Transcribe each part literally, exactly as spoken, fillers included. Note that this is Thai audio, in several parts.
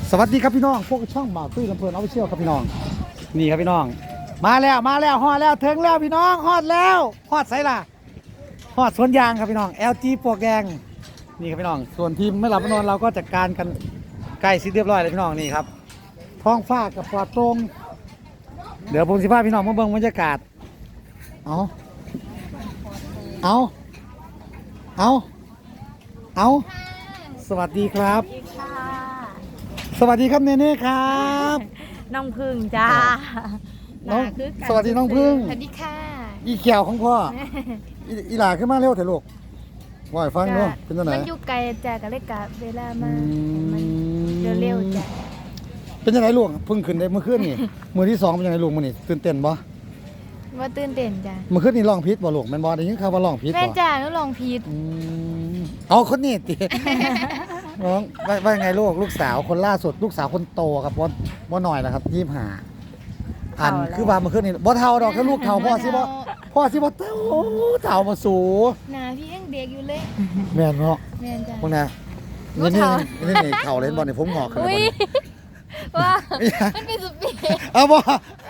สวัสดีครับพี่น้องพวกช่องบ่าวตุ้ยลำเพลินออฟฟิเชียลครับพี่น้องนี่ครับพี่น้องมาแล้วมาแล้วฮอดแล้วถึงแล้วพี่น้องฮอดแล้วฮอดไสล่ะฮอดสวนยางครับพี่น้อง แอล จี ปลวกแดงนี่ครับพี่น้องส่วนทีมไม่หลับไม่นอนเราก็จัดการกันใกล้สิเรียบร้อยเลยพี่น้องนี่ครับท้องฟ้ากับปลอดโปร่งเดี๋ยวผมสิพาพี่น้องมาเบิ่งบรรยากาศเอาเอาเอาเอาสวัสดีครับสวัสดีครับเนเน่ครับน้องพึ่งจ้าน้องสวัสดีน้องพึ่งสวัสดีค่ะอีเขียวของพ่ออีอีหลาขึ้นมาเร็วเถอะลูกว่าให้ฟังเนาะเป็นตัวไหนมันอยู่ไกลจ้าก็เลยกะเวลามามันเร็วๆจ้าเป็นยังไงลูกพึ่งขึ้นได้เมื่อคืนนี่มือที่สองเป็นยังไงลูกมื้อนี้ตื่นเต้นบ่ว่าตื่นเต้นจ้าเมื่อคืนนี่ร้องผิดบ่ลูกแม่นบ่ได้ยินข่าวว่าร้องผิดบ่แม่จ้าหนูร้องผิดเอาคนนี้ติน้องว่าว่ายังไงลูกลูกสาวคนล่าสุดลูกสาวคนโตครับบ่บ่น้อยแล้วครับยี่สิบห้าอันคือว่าเมื่อคืนนี่บ่เท่าดอกแค่ลูกเท่าพ่อสิบ่พ่อสิบ่เท่าเท่าบ่สูหน้าพี่ยังเด็กอยู่เลยแม่นเนาะแม่นจ้าพวกน่ะนี่นี่นี่นี่เท่าเล่นบ่นี่ผมงอกขึ้นบ่นี่ว่ามันเป็นสุดปีเอาบ่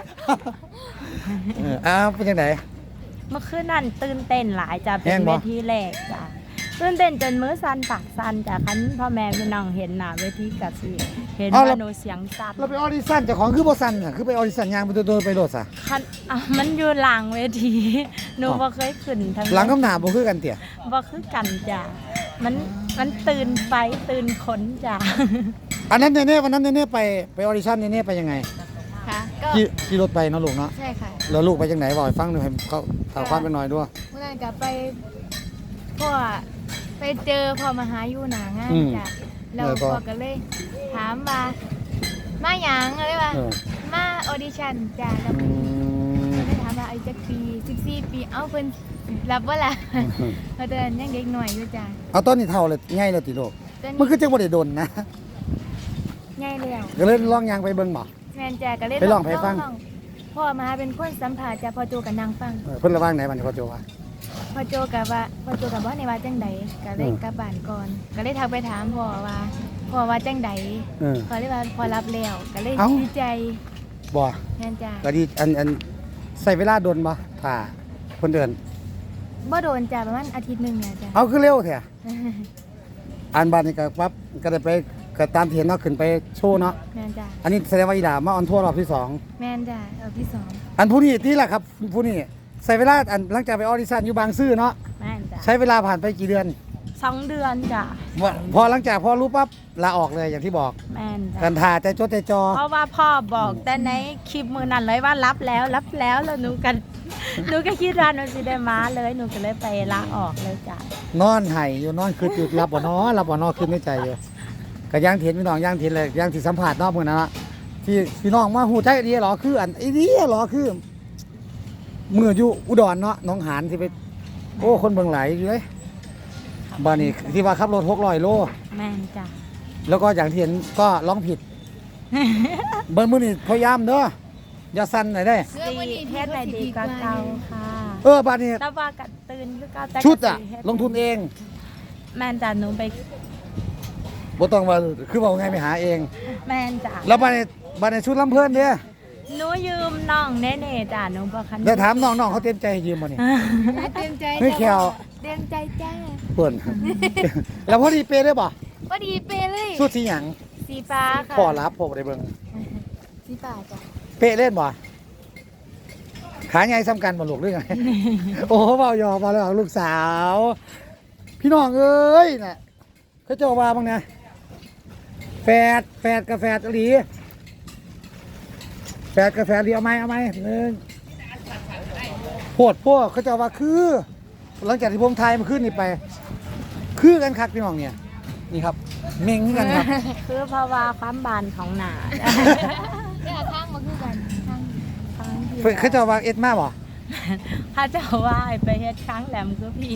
เอออ้าวเป็นจังได๋เมื่อคืนนั่นตื่นเต้นหลายจ้าเป็นเวทีแรกจ้าตื่นเต้นจนมือสั่นปากสั่นจากคันพ่อแม่พี่น้องเห็นหน้าเวทีกับสิเห็นว่าหนูเสียงสั่นเราไปออดิชั่นเจ้าของคือบ่สั่นน่ะคือไปออดิชั่นยางไปโดนไปโลดซะคันอ่ะมันอยู่หลังเวทีหนูบ่เคยขึ้นทั้งหลังคำหน้าบ่คือกันเตี่ยบ่คือกันจ้ะมันมันตื่นไฟตื่นขนจ้ะอันนั้นเน่ๆวันนั้นเน่ๆไปไปออดิชั่นเน่ๆไปยังไงค่ะก็ขี่ขี่รถไปเนาะลูกเนาะใช่ค่ะแล้วลูกไปจังไหนบ่ให้ฟังหน่อยให้เขาถามความเป็นหน่อยด้วยเมื่อนั้นก็ไปพ่อไปเจอพ่อมาหาอยู่หน้างานจ้ะแล้วพ่อก็เลยถามว่ามาหยังอะไรวะมาออดิชั่นจ้ะแล้วก็เลยถามว่าอายุจักปีสิบสี่ปีเอ้าเพิ่นรับบ่ล่ะเพราะตอนนั้นยังเด็กหน่อยอยู่จ้ะเอาตอนนี้เท่าเลยง่ายแล้วติลูกมันคือจังบ่ได้โดนนะง่ายแล้วก็เลยลองยางไปเบิ่งบ่แม่นจ้ะก็เลยไปลองไปฟังพ่อมาเป็นคนสัมภาษณ์จ้ะพ่อโจก็นั่งฟังเพิ่นระว่างไหนบัดนี้พ่อโจว่าพ่อโจก็ว่าพ่อโจก็บ่ในว่าจังได๋ก็เลยกลับบ้านก่อนก็เลยทักไปถามพ่อว่าพ่อว่าจังได๋พ่อเลยว่าพ่อรับแล้วก็เลยดีใจบ่แม่นจ้ะก็ดีอันอันใส่เวลาโดนบ่ถ้าคนเดินบ่โดนจ้ะประมาณอาทิตย์นึงเนี่ยจ้ะเอาคือเร็วแท้อันบัดนี้ก็ปั๊บก็ได้ไปก็ตามที่เห็นเนาะขึ้นไปโชว์เนาะแม่นจ้ะอันนี้แสดงว่าอีหลามาออนทัวร์รอบที่สองแม่นจ้ะรอบที่สองอันผู้นี้ที่แหละครับผู้นี้ใส่เวลาอันหลังจากไปออดิชั่นอยู่บางซื่อเนาะแม่นจ้ะใช้เวลาผ่านไปกี่เดือนสองเดือนจ้ะพอหลังจากพอรู้ปั๊บลาออกเลยอย่างที่บอกแม่นจ้ะกันถ่าใจจดใจจอเพราะว่าพ่อบอกแต่ในคลิปมือนั้นเลยว่ารับแล้วรับแล้วแล้วหนูกันหนูก็คิดว่าหนูสิได้มาเลยหนูก็เลยไปลาออกเลยจ้ะนอนไห้อยู่นอนคือจุดรับบ่นอรับบ่นอขึ้นในใจอยู่ก็ย่างเถียนพี่น้องย่างเถียนเลยย่างที่สัมผัสนอกมือนั่นละที่พี่น้องมาหูใจดีหรอคืออันไอ้ดีหรอคือเมื่ออยู่อุดรเนาะน้องหานที่ไปโอ้คนเบิ่งไหลอยู่เลยบ้านนี้ที่ว่าขับรถหกร้อยโลแม่นจ้ะแล้วก็อย่างที่เห็นก็ร้องผิดเบิ้ลมือนี่พยายามเด้ออย่าสั่นหน่อยได้เสื้อวันนี้แค่ไหนดีกว่าเก่าค่ะเออบ้านนี้แต่ว่ากัดตื่นคือเก่าแต่ชุดอะลงทุนเองแม่นจ้ะหนูไปบ่ต้องว่าคือว่าไงไปหาเองแม่นจ้ะแล้วบ้านนี้บ้านนี้ชุดลำเพิ่นเด้อหนูยืมน้องเน่ๆจ้ะหนูบ่คันได้ถามน้องๆเขาเต็มใจให้ยืมบ่นี่เต็มใจไม่แควเต็มใจจ้าเพิ่นแล้วพอดีเปได้บ่พอดีเปเลยชุดสีหยังสีฟ้าค่ะพอรับพอได้เบิ่งสีฟ้าจ้ะเปเล่นบ่ขาใหญ่ซ้ำกันบ่ลูกหรือไงโอ้เว้ายอมาแล้วลูกสาวพี่น้องเอ้ยน่ะเขาเจ้าว่าบ้างนะแฝดแฝดกับแฝดอีหลีแฝดกับแฝดอีเอาไหมเอาไหมหนึ่งโหดพวกเขาเจ้าว่าคือหลังจากที่ผมทายมาขึ้นนี่ไปคือกันคักพี่น้องเนี่ยนี่ครับเม่งกันครับคือเพราะว่าความบานของหนาเนี่ยข้างมาคือกันข้างข้างเขาเจ้าว่าเอ็ดมาบ่ถ้าเจ้าว่าไปเฮ็ดครั้งแหลมคือพี่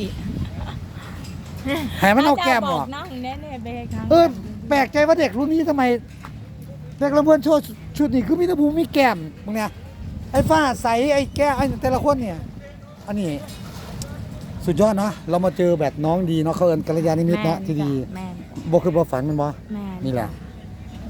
ให้มันเอาแก้มออกน้องแน่ๆไปเฮ็ดครั้งเออแปลกใจว่าเด็กรุ่นนี้ทำไมเด็กลำเพื่อนโชว์ชุดนี้คือมีตะพูมีแก้มมึงเนี่ยไอ้ฟ้าใสไอ้แก้ไอ้แต่ละคนเนี่ยอันนี้สุดยอดเนาะเรามาเจอแบบน้องดีเนาะเขาเอิญกัลยาณมิตรเนาะที่ดีบ่คือบ่ฝันมันบ่นี่แหละ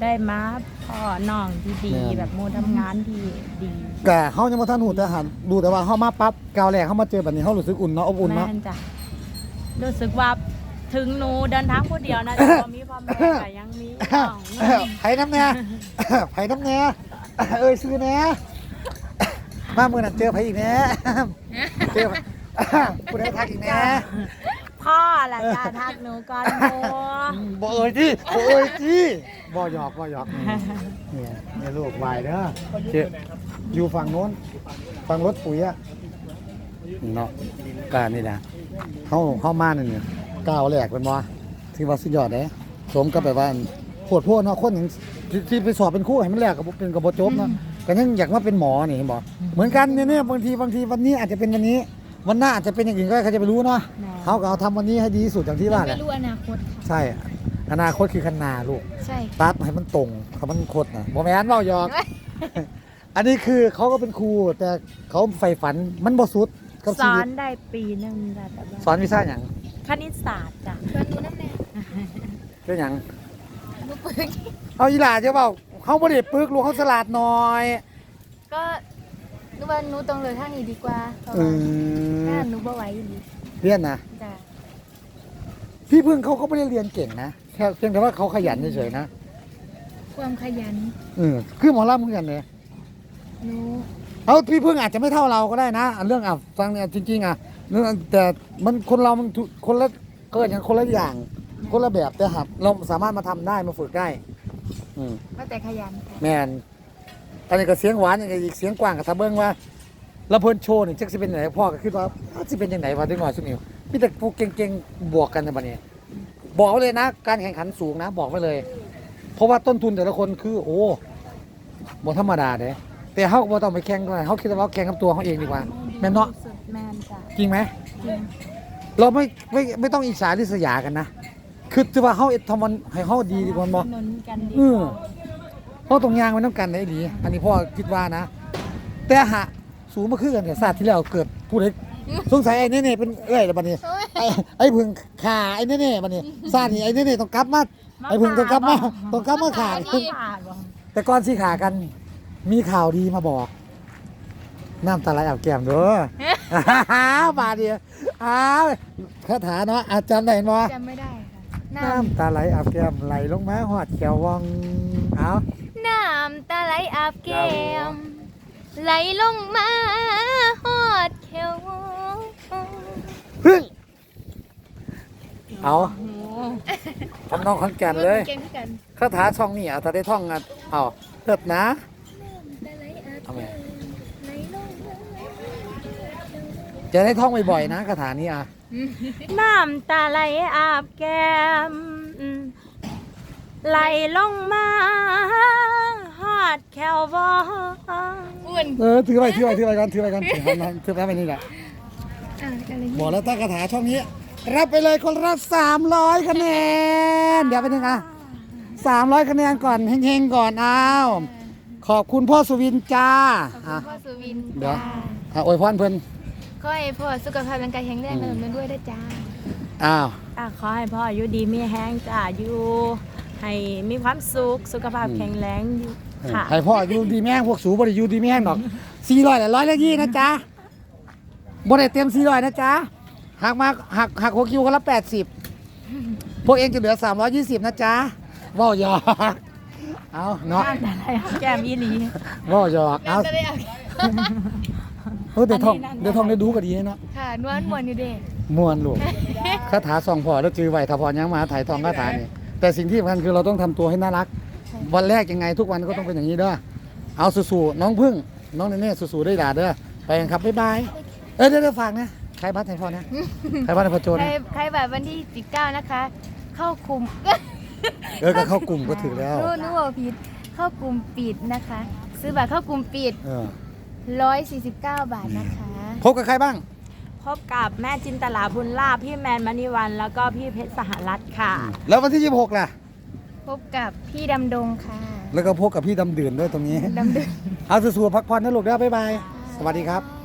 ได้มาพ่อน้องที่ดีแม่นแบบหมูทำงานที่ดีแต่เฮายังบ่ทันฮู้แต่หันดูแต่ว่าเฮามาปั๊บก้าวแรกเฮามาเจอแบบนี้เฮารู้สึกอุ่นเนาะอบอุ่นแม่เนาะนจ้ะรู้สึกว่าถึงหนูเดินทางคนเดียวนะแต่พอมีพ่อแม่แต่ยังมีน้องไผน้ำแน่ ไผน้ำแน่เอ้ยซื้อแน่มามื้อนั้นเจอไผอีกแน่เจอผู้ใดทักอีกแน่พ่อแหละจ้าทักหนูก่อนโมบ่เอ่ยที่บ่เอ่ยที่บ่หยอกบ่หยอกเนี่ยเนี่ยลูกวายเด้อเจออยู่ฝั่งโน้นฝั่งรถปุ๋ยอะเนาะกานี่นะเฮาเฮามานี่เนี่ยก้าวแรกเป็นบ่ที่ว่าสุดยอดเด้สมกับแบบว่าโคตรโพดเนาะคนหนึงที่ที่ไปสอบเป็นครูให้มันแรกก็บ่เป็นก็บ่จบเนาะก็ยังอยากมาเป็นหมอนี่เห็นบ่เหมือนกันเนี่ยเนี่ยบางทีบางทีวันนี้อาจจะเป็นวันนี้วันหน้าอาจจะเป็นอย่างอื่นก็ได้ใครจะไปรู้เนาะเขาก็เอาทำวันนี้ให้ดีที่สุดอย่างที่ว่าแหไม่ละรู้อนาคตค่ะใช่ อนาคตคือคันนาลูกใช่ตัดให้มันตรงเขามันคดนะบอแมนเว้าหยอก อันนี้คือเขาก็เป็นครู แต่เขาใฝ่ฝันมันบ่สุดกับสชีอวินตได้ปีหนึ่งจ้ะแต่ว่าสอนวิชาอย่างคณิตศาสตร์จ้ะชวนหนูน้ำแน่เป็นอย่างหนูปึกเอาอีหลาจะเปล่าเขาบ่ได้ปึกลูกเขาฉลาดหน่อยก็หนูว่าหนูต้องเลือกทางนี้ดีกว่าเพราะอืว่าม ถ้าหนูบ่ไหวอีหลีเรียนนะจ้ะพี่พึ่งเขาก็ไม่ได้เรียนเก่งนะแค่เพียงแต่ว่าเขาขยันเฉยๆนะความขยันเออคือหมอลำเหมือนกันเลยหนูเอาพี่พึ่งอาจจะไม่เท่าเราก็ได้นะอันเรื่องอ่ะฟังเนี่ยจริงๆอ่ะเรื่องแต่มันคนเรามันทุคนละเกิดอย่างคนละอย่าง คนละแบบแต่หับเราสามารถมาทำได้มาฝึกได้ อืมก็แต่ขยันค่ะแมนอันนี้ก็เสียงหวานอย่างอีกเสียงกว้างกับทะเบิ้งว่าแล้วเพิ่นโชว์นี่จักสิเป็นไหนพ่อก็คิดว่าสิเป็นยังไงวะเด็กน้อยสุดนิวมีแต่พวกเก่งๆบวกกันในบัดนี้ บอกไว้เลยนะ การแข่งขันสูงนะ บอกไว้เลย เพราะว่าต้นทุนแต่ละคนคือ โอ้บ่ธรรมดาเด้แต่เฮาก็บ่ต้องไปแข่งด้วยเฮาคิดว่าแข่งกับตัวเขาเองดีกว่าแม่นเนาะสุดแมนจ้ะจริงไหมจริงเราไม่ไม่ไม่ต้องอิจฉาริษยากันนะ คือถือว่าเขาเอ็ดทำมันให้เขาดีดีกว่าบ่หนุนกันดีเออเพราะตรงยางมันต้องกันได้ดี อันนี้พ่อคิดว่านะ แต่หะสูงมาคือกันแต่ศาสตร์ที่แล้วเกิดผู้ใดสงสัยไอ้นี่ๆเป็นเอ้ยแล้วบัดนี้ ไอ้ไอ้พึ่งขาไอ้นี่ๆบัดนี้ศาสตร์นี่ไอ้นี่ๆต้องกลับมาไอ้พึ่งต้องกลับมาต้องกลับมาขาขาดบ่แต่ก่อนสิขากันมีข่าวดีมาบอก น้ำตาไหลอาบแก้มเด้อ บาดเดียวอ้าวคาถาเนาะอาจารย์ได้บ่จำไม่ได้ค่ะ น้น้ำตาไหลอาบแก้มไหลลงมาหอดแก้ววังเอาำน้ำตาไหลอาบแก้มไหลลงมาฮอดแขวพึ่งเอาโอ้โหทำน้องขอนแก่นเลยเก่งที่กันคาถาช่องนี่เอาถ้าได้ท่องอ่ะเอาเถิดนะตาไหลอาบเอาไหมไหลลงมาจะได้ท่องบ่อยๆนะคาถานี้อ่ะน้ำตาไหลอาบแก้มไหลลงมาฮอดแขวบ่อ้วนเออถือไปถือไปถือไปกันถือไปกันถือไปถือไปนี่แหละอ่ะอะไรบอกแล้วถ้าคาถาช่องนี้ รับไปเลยคนละสามร้อยคะแนนเดี๋ยวไปนึงอ่ะสามร้อยคะแนนก่อนเฮงๆก่อนอ้าวขอบคุณพ่อสุวินจ้าขอบอ่ะคุณพ่อสุวินเดี๋ยวจ้าอ่ะอวยพรเพิ่นขอให้พ่อสุขภาพร่างกายแข็งแรงเนินมันด้วยนะจ้าอ้าวอ่ะขอให้พ่ออยู่ดีมีแห้งจ้าอยู่ให้มีความสุขสุขภาพแข็งแรงอยู่ค่ะให้พ่ออยู่ดีแม่งพวกสูบริยูดีแม่งดอกสี่ร้อยแหละร้อยละยี่นะจ๊ะบริเต็มสี่ร้อยนะจ๊ะหักมาหักหักหัวคิวกันละแปดสิบพวกเองจะเหลือสามร้อยยี่สิบนะจ๊ะว่าวหยอกเอาเนาะน้ำตาไหลอาบแก้มอีหลีว่าวหยอกเอาน้ำตาไหลอาบแก้มเออเดี๋ยวท่องอันนี้นั่นเดี๋ยวท่องได้ดูก็ดีเนาะค่ะนวลมวนอยู่เด้มวนลูกคาถาสองพอแล้วจือไหวถ้าพอยังมาถ่ายทองคาถานี่แต่สิ่งที่สำคัญคือเราต้องทำตัวให้น่ารัก วันแรกยังไงทุกวันก็ต้องเป็นอย่างนี้เด้อเอาสู้ๆน้องพึ่งน้องเนเน่สู้ๆได้ด่าเด้อไปกันครับบ๊ายบายเออเดี๋ยวเดี๋ยวฝากนะใครบัตรให้พ่อนะใครบัตรให้พ่อโจใครนะใครแบบวันที่สิบเก้านะคะ เข้ากลุ่มเออก็เข้ากลุ่มก็ถือแล้วรู้รู้ว่าผิดเข้ากลุ่มปิดนะคะ ซื้อบัตรเข้ากลุ่มปิดเออร้อยสี่สิบเก้าบาทนะคะพบกับใครบ้างพบกับแม่จินตลาบุญลาภพี่แมนมณีวันแล้วก็พี่เพชรสหรัฐค่ะแล้ววันที่ยี่สิบหกล่ะพบกับพี่ดำดงค่ะแล้วก็พบกับพี่ดำดื่นด้วยตรงนี้ดำดงเอาสู้ๆพักผ่อนนะลูกเด้อบ๊ายบายสวัสดีครับบ